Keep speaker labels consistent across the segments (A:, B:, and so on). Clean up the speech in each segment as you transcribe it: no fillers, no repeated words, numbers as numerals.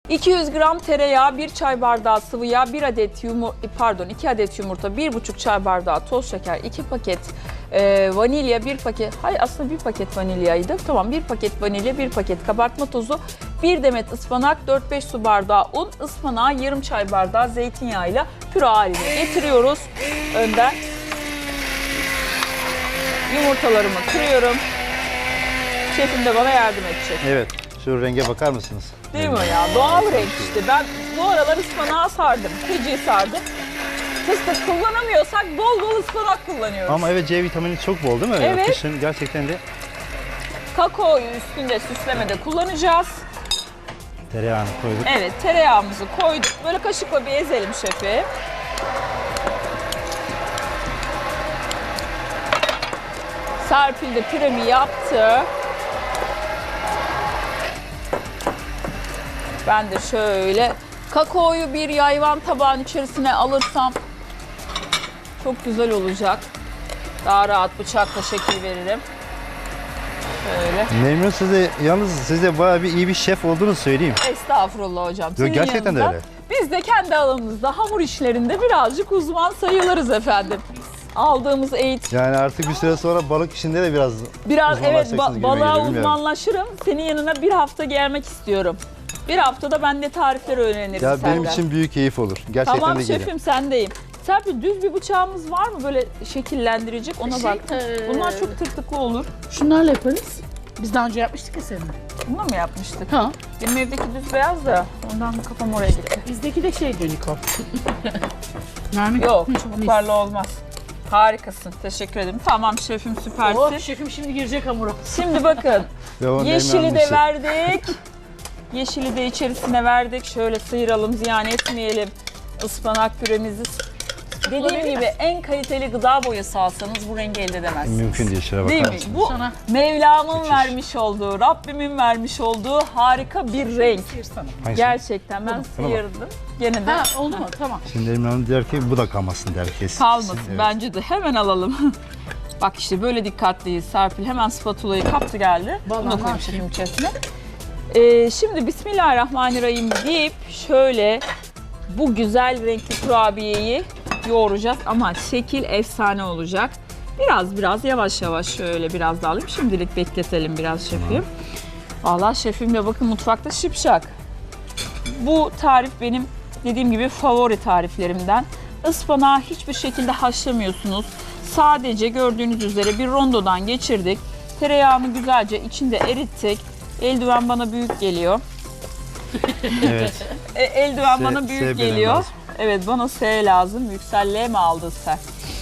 A: 200 gram tereyağı, 1 çay bardağı sıvı yağ, 2 adet yumurta, 1,5 çay bardağı toz şeker, 2 paket vanilya, 1 paket, hayır aslında 1 paket vanilyaydı. Tamam, 1 paket vanilya, 1 paket kabartma tozu, 1 demet ıspanak, 4-5 su bardağı un, ıspanağı yarım çay bardağı zeytinyağıyla püre haline getiriyoruz. Önden yumurtalarımı kırıyorum. Şefim de bana yardım edecek.
B: Evet, şu renge bakar mısınız?
A: Değil mi ya? Doğal renk işte. Ben bu aralar ıspanağı sardım, fıcıyı sardım. Fıstık kullanamıyorsak bol bol ıspanak kullanıyoruz.
B: Ama evet, C vitamini çok bol değil mi?
A: Evet.
B: Kışın gerçekten de
A: Kakaoyu üstünde süslemede kullanacağız.
B: tereyağını koyduk.
A: Evet, tereyağımızı koyduk. Böyle kaşıkla bir ezelim şefi. Serpil de püremi yaptı. Ben de şöyle kakaoyu bir yayvan tabağın içerisine alırsam çok güzel olacak. Daha rahat bıçakla şekil veririm. Şöyle.
B: Memnun siz de bayağı bir iyi bir şef olduğunu söyleyeyim.
A: Estağfurullah hocam. Senin
B: gerçekten de
A: yanında
B: öyle.
A: Biz de kendi alanımızda hamur işlerinde birazcık uzman sayılırız efendim. Aldığımız eğitim.
B: Yani artık bir süre sonra balık işinde de biraz
A: Evet,
B: uzmanlaşacaksınız gibi
A: balığa
B: geliyor, bilmiyorum.
A: uzmanlaşırım. Senin yanına bir hafta gelmek istiyorum. Bir haftada ben de tarifleri öğrenirim
B: Ya
A: senden.
B: benim için büyük keyif olur. Gerçekten
A: Tamam
B: de
A: şefim,
B: geliyor.
A: sendeyim. Serpil, düz bir bıçağımız var mı böyle şekillendirecek, ona bak. Bunlar çok tırtıklı olur.
C: Şunlarla yaparız. Biz daha önce yapmıştık ya seninle.
A: Bunu mu yapmıştık?
C: Ha.
A: Benim evdeki düz beyaz da ondan kafam oraya gitti.
C: Bizdeki de şey Niko. Yani
A: Yok, çubuklarla olmaz. Harikasın, teşekkür ederim. Tamam şefim, süpersin.
C: Oh, şefim şimdi girecek hamura.
A: Şimdi bakın,
B: Ve o
A: yeşili de
B: nemlenmişi.
A: verdik. Yeşili de içerisine verdik. Şöyle sıyıralım, ziyan etmeyelim ıspanak püremizi. Dediğim gibi en kaliteli gıda boyası alsanız bu rengi elde edemezsiniz.
B: Mümkün değil, şuna
A: Değil
B: bakar
A: mi?
B: mısınız?
A: Bu
C: Sana.
A: Mevlam'ın
B: Müthiş.
A: vermiş olduğu, Rabbimin vermiş olduğu harika bir renk.
C: Sıyırsana.
B: Hangisi?
A: Gerçekten ben
B: Buna bak.
A: sıyırdım. Gene de
C: Ha oldu mu? Tamam.
B: Şimdi Emine Hanım der ki bu da kalmasın der kesin.
A: kalmasın
B: Evet.
A: bence de. Hemen alalım. Bak işte böyle dikkatliyiz. Serpil hemen spatulayı kaptı geldi. Bunu da
C: Vallahi
A: koyayım
C: ne
A: şefim içerisine. Şimdi Bismillahirrahmanirrahim deyip şöyle bu güzel renkli kurabiyeyi yoğuracağız ama şekil efsane olacak. Biraz yavaş yavaş şöyle biraz daha alayım. Şimdilik bekletelim biraz şefim. Vallahi şefimle bakın mutfakta şipşak. Bu tarif benim dediğim gibi favori tariflerimden. Ispanağı hiçbir şekilde haşlamıyorsunuz. Sadece gördüğünüz üzere bir rondodan geçirdik. Tereyağını güzelce içinde erittik. Eldiven bana büyük geliyor.
B: Evet.
A: Eldiven
B: S-
A: bana
B: S
A: büyük
B: benim
A: geliyor.
B: lazım.
A: Evet, bana S lazım. Yükselliğe mi aldın sen?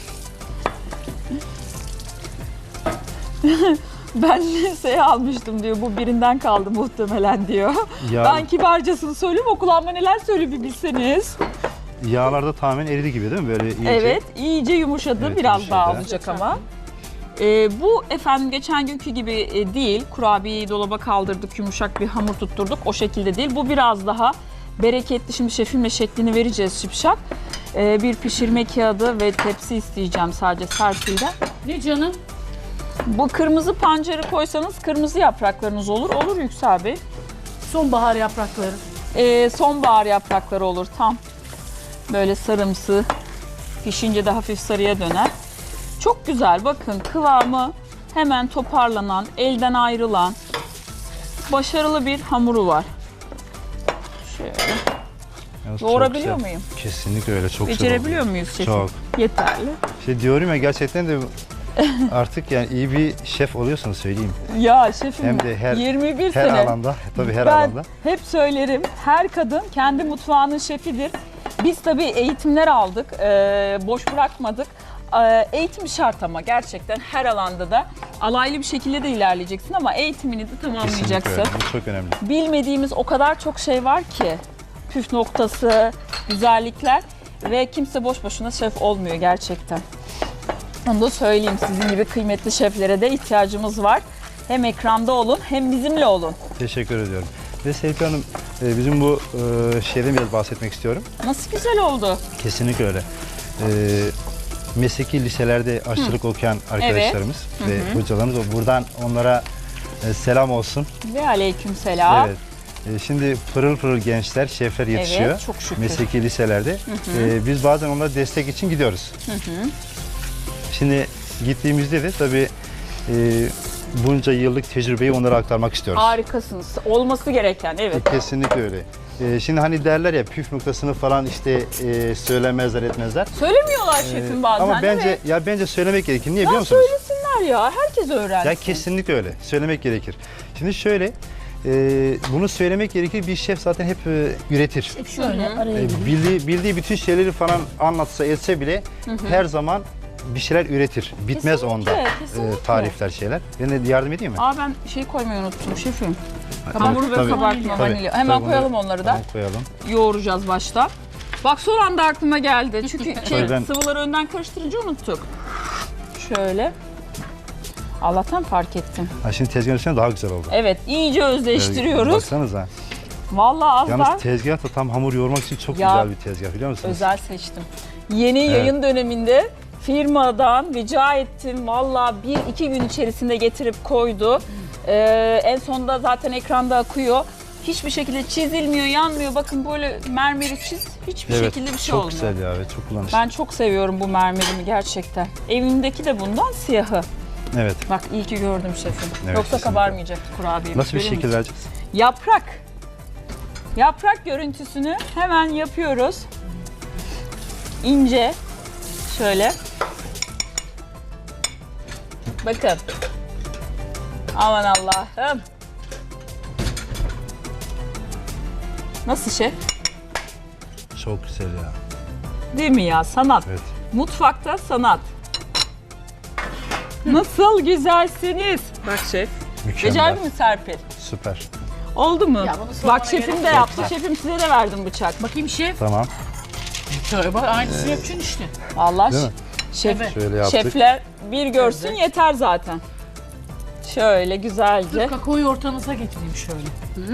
A: Ben S almıştım diyor. Bu birinden kaldı muhtemelen diyor.
B: Ya-
A: Ben kibarcasını söyleyeyim. O kulağıma neler söylüyor bir bilseniz.
B: Yağlarda tamamen eridi gibi değil mi? Böyle iyice.
A: Evet, iyice yumuşadı.
B: Evet,
A: Biraz
B: yumuşadı.
A: daha olacak ama. Bu efendim geçen günkü gibi değil. Kurabiyeyi dolaba kaldırdık, yumuşak bir hamur tutturduk. O şekilde değil. Bu biraz daha bereketli. Şimdi şefimle şeklini vereceğiz şipşak. Bir pişirme kağıdı ve tepsi isteyeceğim sadece Serpil'den.
C: Ne canım?
A: Bu kırmızı pancarı koysanız kırmızı yapraklarınız olur. Olur Yüksel Bey.
C: Sonbahar yaprakları.
A: Sonbahar yaprakları olur tam. Böyle sarımsı. Pişince de hafif sarıya döner. Çok güzel, bakın kıvamı hemen toparlanan, elden ayrılan başarılı bir hamuru var. Şöyle.
B: Yalnız çok
A: Yoğurabiliyor
B: güzel.
A: muyum?
B: Kesinlikle öyle, çok güzel
A: Becerebiliyor
B: oldu.
A: muyuz şefim?
B: Çok.
A: Yeterli.
B: İşte diyorum ya, gerçekten de artık yani iyi bir şef oluyorsunuz söyleyeyim.
A: Ya şefim
B: Hem de her
A: 21
B: her
A: sene.
B: alanda, tabii her
A: Ben
B: alanda.
A: hep söylerim, her kadın kendi mutfağının şefidir. Biz tabii eğitimler aldık, boş bırakmadık. Eğitim şart ama gerçekten her alanda da alaylı bir şekilde de ilerleyeceksin ama eğitimini de
B: Kesinlikle
A: tamamlayacaksın.
B: öyle. Bu çok önemli.
A: Bilmediğimiz o kadar çok şey var ki, püf noktası, güzellikler ve kimse boş boşuna şef olmuyor gerçekten. Onu da söyleyeyim, sizin gibi kıymetli şeflere de ihtiyacımız var. Hem ekranda olun hem bizimle olun.
B: Teşekkür ediyorum. Ve Serpil Hanım, bizim bu şeyden biraz bahsetmek istiyorum.
A: Nasıl güzel oldu.
B: Kesinlikle öyle. Mesleki liselerde aşçılık okuyan arkadaşlarımız ve hocalarımız, buradan onlara selam olsun.
A: Ve aleykümselam.
B: Evet. Şimdi pırıl pırıl gençler, şefler yetişiyor.
A: Evet, çok şükür.
B: Mesleki liselerde. Biz bazen onlara destek için gidiyoruz. Şimdi gittiğimizde de tabii bunca yıllık tecrübeyi onlara aktarmak istiyoruz.
A: Harikasınız. Olması gereken, evet.
B: Kesinlikle öyle. Şimdi hani derler ya püf noktasını falan işte söylemezler etmezler.
A: Söylemiyorlar şefim bazen,
B: Ama
A: değil
B: bence
A: mi?
B: bence söylemek gerekir. Niye biliyor
A: Ya
B: musunuz?
A: söylesinler ya. Herkes öğrensin.
B: Ya kesinlikle öyle. Söylemek gerekir. Şimdi şöyle bunu söylemek gerekir. Bir şef zaten hep üretir.
C: Hep şöyle araya gireyim.
B: Bildiği bütün şeyleri falan anlatsa etse bile her zaman bir şeyler üretir. Bitmez
A: Kesinlikle,
B: onda
A: kesinlikle.
B: tarifler şeyler. Ben de yardım edeyim mi?
A: Aa, ben şey koymayı unuttum şefim.
B: Tabii,
A: Hamur ve
B: tabii.
A: kabartma
B: Tabii.
A: vanilya. Hemen
B: Tabii,
A: koyalım onları da.
B: Tamam, koyalım.
A: Yoğuracağız başta. Bak son anda aklıma geldi. Çünkü
B: Ben-
A: sıvıları önden karıştırınca unuttuk. Şöyle. Allah'tan fark ettim.
B: Ha, şimdi tezgahın üstüne daha güzel oldu.
A: Evet, iyice özleştiriyoruz.
B: Baksanıza.
A: Vallahi az daha
B: Yalnız tezgah da tam hamur yoğurmak için çok
A: Ya,
B: güzel bir tezgah biliyor musunuz?
A: özel seçtim. Yeni yayın döneminde firmadan rica ettim. Vallahi 1-2 gün içerisinde getirip koydu. En sonunda zaten ekranda akıyor. Hiçbir şekilde çizilmiyor, yanmıyor. Bakın böyle mermeri çiz, hiçbir şekilde bir şey
B: çok
A: olmuyor.
B: güzel ya, evet, çok kullanışlı.
A: Ben çok seviyorum bu mermerimi gerçekten. Evimdeki de bundan, siyahı.
B: Evet.
A: Bak iyi ki gördüm şefim.
B: Evet,
A: Yoksa
B: kesinlikle.
A: kabarmayacaktı kurabiyemiz.
B: Nasıl bir
A: görüyor
B: şekil
A: musun?
B: vereceğiz?
A: Yaprak. Yaprak görüntüsünü hemen yapıyoruz. İnce. Şöyle. Bakın. Aman Allah'ım. Nasıl şef?
B: Çok güzel ya.
A: Değil mi ya? Sanat.
B: Evet.
A: Mutfakta sanat. Nasıl güzelsiniz. Bak şef.
B: Mükemmel.
A: Becerdi mi Serpil?
B: Süper.
A: Oldu mu?
C: Ya bunu sormana
A: Bak şefim
C: gerek
A: de
C: yok.
A: yaptı. Şefim size de verdim bıçak.
C: Bakayım şef.
B: Tamam.
C: Şöyle bak aynısını yapacaksın işte.
A: Allah
B: Değil mi?
A: şef,
C: Evet.
B: Şöyle yaptık.
A: şefler bir görsün
C: Evet.
A: yeter zaten. Şöyle güzelce.
C: Kakaoyu ortanıza getireyim şöyle.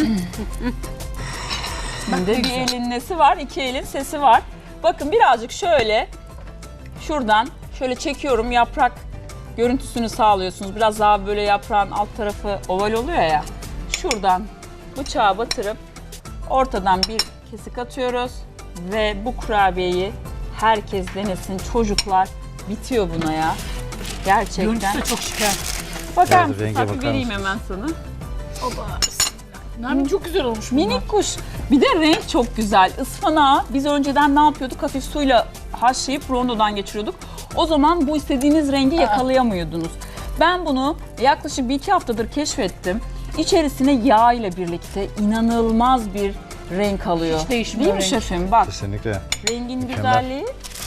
A: Şimdi bir
C: güzel.
A: elin nesi var, iki elin sesi var. Bakın birazcık şöyle şuradan şöyle çekiyorum, yaprak görüntüsünü sağlıyorsunuz. Biraz daha böyle yaprağın alt tarafı oval oluyor ya. Şuradan bıçağı batırıp ortadan bir kesik atıyoruz ve bu kurabiyeyi herkes denesin. Çocuklar bitiyor buna ya. Gerçekten.
C: Görüntüsü de çok şeker.
A: Bakar
B: Evet,
A: mısın?
B: renge
A: Tabii
B: bakar
A: vereyim
B: mısınız?
A: hemen sana.
C: Oba. Nermin çok güzel olmuş bunlar.
A: Minik kuş. Bir de renk çok güzel. Ispanağı biz önceden ne yapıyorduk? Hafif suyla haşlayıp rondodan geçiriyorduk. O zaman bu istediğiniz rengi yakalayamıyordunuz. Ben bunu yaklaşık 1-2 haftadır keşfettim. İçerisine yağ ile birlikte inanılmaz bir renk alıyor.
C: Hiç değişmiyor
A: Değil mi
C: renk.
A: şefim? Bak
B: Kesinlikle.
A: rengin
B: Mükemmel.
A: güzelliği.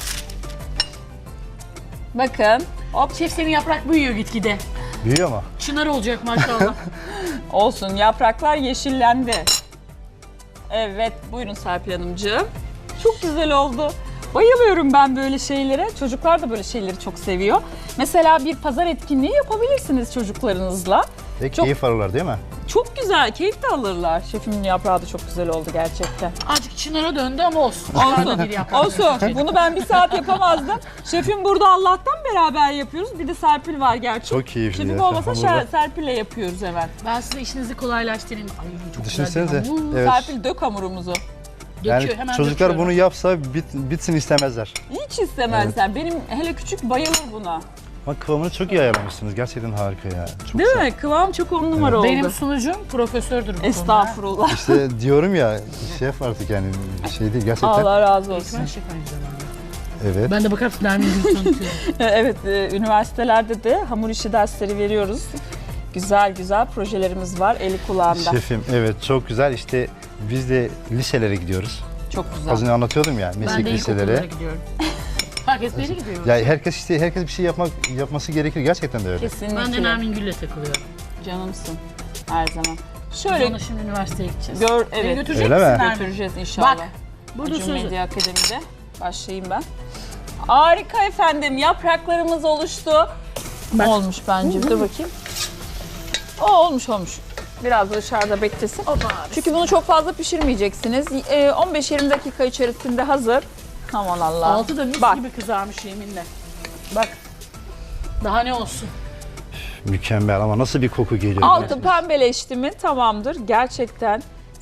A: Bakın. Hop.
C: Şef senin yaprak büyüyor gitgide.
B: Büyüyor mu?
C: Çınar olacak maşallah.
A: Olsun, yapraklar yeşillendi. Evet, buyurun Serpil Hanımcığım. Çok güzel oldu. Bayılıyorum ben böyle şeylere. Çocuklar da böyle şeyleri çok seviyor. Mesela bir pazar etkinliği yapabilirsiniz çocuklarınızla.
B: Ve
A: Çok-
B: keyif alırlar değil mi?
A: Çok güzel, keyif de alırlar. Şefimin yaprağı da çok güzel oldu gerçekten.
C: Azıcık Çınar'a döndü ama olsun.
A: Olsun,
C: Arada bir yaprak.
A: olsun. Bunu ben bir saat yapamazdım. Şefim burada Allah'tan beraber yapıyoruz. Bir de Serpil var gerçi.
B: Çok keyifli
A: Şefim
B: ya.
A: olmasa
B: Hamurda.
A: Serpil'le yapıyoruz hemen.
C: Ben size işinizi kolaylaştırayım. Ay çok
B: Düşünsenize.
C: güzel bir hamur.
B: Evet.
A: Serpil dök hamurumuzu.
C: Döküyor,
B: Yani
C: hemen
B: çocuklar
C: döküyorum.
B: bunu yapsa bitsin istemezler.
A: Hiç istemezler. Benim hele küçük bayılır buna.
B: Ama kıvamını çok iyi ayarlamışsınız. Gerçekten harika ya. Çok
A: Değil
B: güzel.
A: mi? Kıvam çok 10 numara oldu.
C: Benim sunucum profesördür bu konuda.
A: Estağfurullah.
B: İşte diyorum ya şef artık yani şey değil gerçekten.
A: Allah razı olsun.
C: Eğitmen şef aynı zamanda.
B: Evet.
C: Ben de bakar mısın Nermin Gül'ü tanıtıyorum.
A: Evet, üniversitelerde de hamur işi dersleri veriyoruz. Güzel güzel projelerimiz var eli kulağında.
B: Şefim evet çok güzel. İşte biz de liselere gidiyoruz.
A: Çok
B: Az
A: güzel.
B: önce anlatıyordum ya
C: Ben
B: meslek
C: de ilkokullara
B: liselere.
C: gidiyorum. Herkes beri gidiyor.
B: Ya herkes bir şey yapması gerekir. Gerçekten de öyle.
A: Kesinlikle.
C: Ben de Nermin Gül'le takılıyorum.
A: Canımsın her zaman.
C: Biz
A: Şöyle
C: onunla şimdi üniversiteye gideceğiz.
A: evet.
C: Beni götürecek
B: Öyle mi?
C: misin Nermin?
A: Götüreceğiz inşallah.
C: Bak, burada
A: Acun
C: sözü.
A: Medya Akademi'de başlayayım ben. Harika efendim. Yapraklarımız oluştu.
C: Bak.
A: Olmuş bence. Dur bakayım. O olmuş. Biraz da dışarıda beklesin. Çünkü bunu çok fazla pişirmeyeceksiniz. 15-20 dakika içerisinde hazır. Aman Allah.
C: Altı da mis
A: Bak.
C: gibi kızarmış yeminle. Bak. Daha ne olsun?
B: Mükemmel ama nasıl bir koku geliyor.
A: Altı pembeleşti mi tamamdır. Gerçekten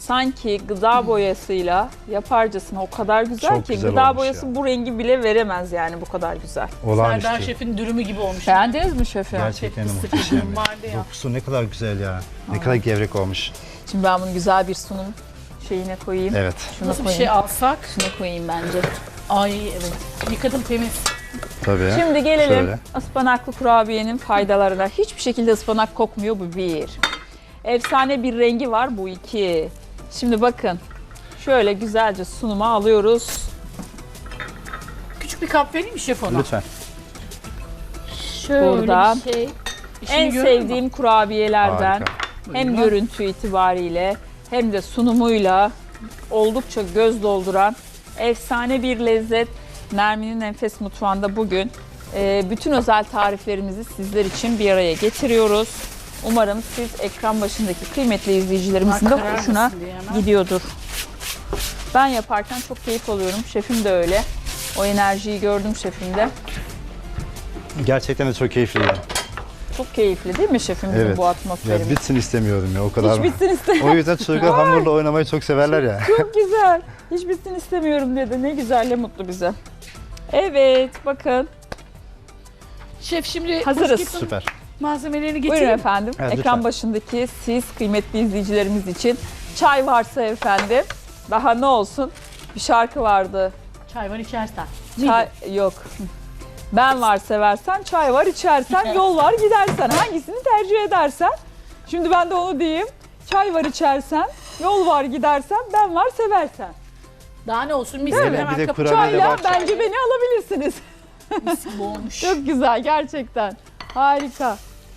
A: sanki gıda boyasıyla yaparcasına o kadar güzel
B: Çok
A: ki
B: güzel
A: gıda
B: olmuş
A: boyası
B: ya.
A: bu rengi bile veremez yani bu kadar güzel.
C: Serdar
B: Olağanüstü.
C: Şef'in dürümü gibi olmuş.
A: Beğendiniz mi şefim?
B: Gerçekten de
C: Fıstık
B: muhteşem.
C: dürüm vardı ya.
B: Dokusu ne kadar güzel ya. Ne kadar gevrek olmuş.
A: Şimdi ben bunu güzel bir sunum şeyine koyayım.
B: Evet.
A: Şunu
C: Nasıl bir
A: koyayım.
C: şey alsak?
A: Şunu koyayım bence.
C: Ay evet. Yıkadım temiz.
B: Tabii.
A: Şimdi gelelim
B: Şöyle.
A: ıspanaklı kurabiyenin faydalarına. Hiçbir şekilde ıspanak kokmuyor, bu bir. Efsane bir rengi var, bu iki. Şimdi bakın şöyle güzelce sunuma alıyoruz.
C: Küçük bir kap vereyim mi şef ona?
B: Lütfen.
C: Şöyle
A: Buradan
C: bir şey. İşini
A: En
C: görüyor musun?
A: sevdiğim kurabiyelerden
B: Harika.
A: hem
C: Buyurun.
A: görüntü itibariyle hem de sunumuyla oldukça göz dolduran efsane bir lezzet. Nermin'in Enfes Mutfağı'nda bugün bütün özel tariflerimizi sizler için bir araya getiriyoruz. Umarım siz ekran başındaki kıymetli izleyicilerimizin de
C: Karar
A: hoşuna
C: mısın diye hemen.
A: gidiyordur. Ben yaparken çok keyif alıyorum. Şefim de öyle. O enerjiyi gördüm şefimde.
B: Gerçekten de çok keyifliydi.
A: Çok keyifli değil mi şefimizin
B: Evet.
A: bu
B: Ya
A: atmosferimiz?
B: bitsin istemiyorum ya o kadar.
A: Hiç bitsin istemiyorum.
B: O yüzden çocuklar hamurla oynamayı çok severler ya.
A: Çok güzel. Hiç bitsin istemiyorum dedi. Ne güzel, ne mutlu bize. Evet, bakın.
C: Şef şimdi
A: Hazırız.
C: housekeeping
B: Süper.
C: malzemelerini
A: Buyurun
C: getireyim.
A: efendim.
B: Evet,
A: Ekran
B: lütfen.
A: başındaki siz kıymetli izleyicilerimiz için çay varsa efendim. Daha ne olsun? Bir şarkı vardı.
C: Çay var içersen.
A: Çay yok. Ben var seversen, çay var içersen, yol var gidersen. Hangisini tercih edersen? Şimdi ben de onu diyeyim. Çay var içersen, yol var gidersen, ben var seversen.
C: Daha ne olsun mis
B: Değil
C: gibi
B: mi?
C: hemen
B: Bir de
C: kapı
B: kurabiye de
A: Çayla
B: var.
A: bence beni alabilirsiniz.
C: mis gibi olmuş.
A: Çok güzel gerçekten. Harika.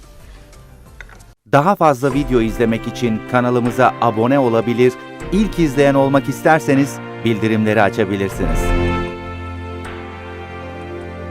D: Daha fazla video izlemek için kanalımıza abone olabilir, ilk izleyen olmak isterseniz bildirimleri açabilirsiniz.